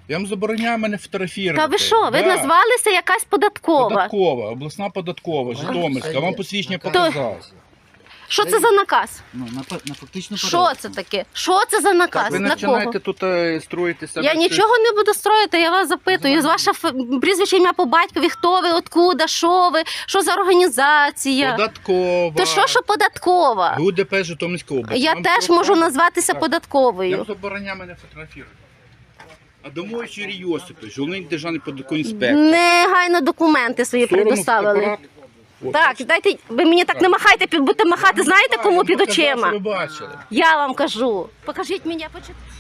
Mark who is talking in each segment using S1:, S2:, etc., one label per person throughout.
S1: Я вам забороняю мене фотографувати.
S2: Та ви що? Ви назвалися якась податкова.
S1: Податкова, обласна податкова, Житомирська. Вам посвідчення показав.
S2: Що це за наказ?
S3: Ну, на фактично
S2: Що це таке? Що це за наказ?
S1: Ви
S2: На кого?
S1: починаєте тут строїти себе.
S2: Я нічого не буду строїти, я вас запитую. Ваше прізвище, ім'я по батькові, хто ви, откуда, що ви, що за організація?
S1: Податкова.
S2: То що податкова?
S1: ГУДП Житомирської області.
S2: Я
S1: Вам
S2: теж
S1: що
S2: можу
S1: кажуть?
S2: назватися
S1: Так. Я
S2: податковою.
S1: вам забороняю мене фотографувати. Адамович Юрій Йосипович, головний державний податковий інспектор.
S2: Негайно документи свої предоставили. Так, дайте, ви мені так не махайте, будете махати, знаєте кому під очима?
S1: Ви бачили.
S2: Я вам кажу. Покажіть мені,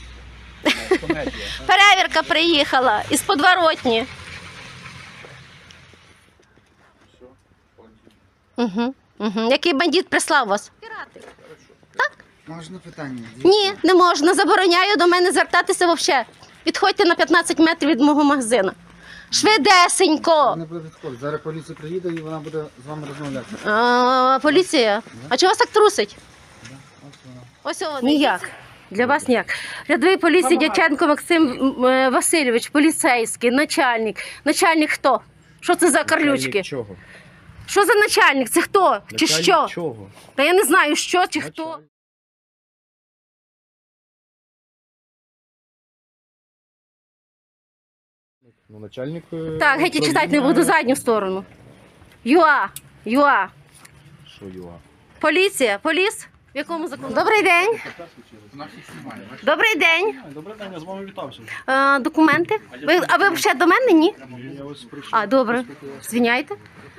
S2: перевірка приїхала із Подворотні. Який бандит прислав вас?
S3: Можна питання?
S2: Ні, не можна. Забороняю до мене звертатися взагалі. Відходьте на 15 метрів від мого магазину. Швидесенько.
S3: Не буде відходити. Зараз поліція приїде і вона буде з вами розмовляти.
S2: Поліція. А чого вас так трусить? Ось вона. Ніяк. Для вас ніяк. Рядовий поліції Дяченко Максим Васильович, поліцейський, начальник. Начальник хто? Що це за карлючки?
S4: Чого?
S2: Що за начальник? Це хто? Чи що?
S4: Чого?
S2: Та я не знаю, що чи хто.
S4: Ну, начальник...
S2: Так, геть і читати не буду, задню сторону. ЮА.
S4: Що ЮА?
S2: Поліція, поліс. В якому законі? Добрий день. Добрий день.
S4: Добрий день, я з вами вітався.
S2: Документи? А ви взагалі до мене, ні?
S4: Я ось прийшов.
S2: А, добре. Звиняйте.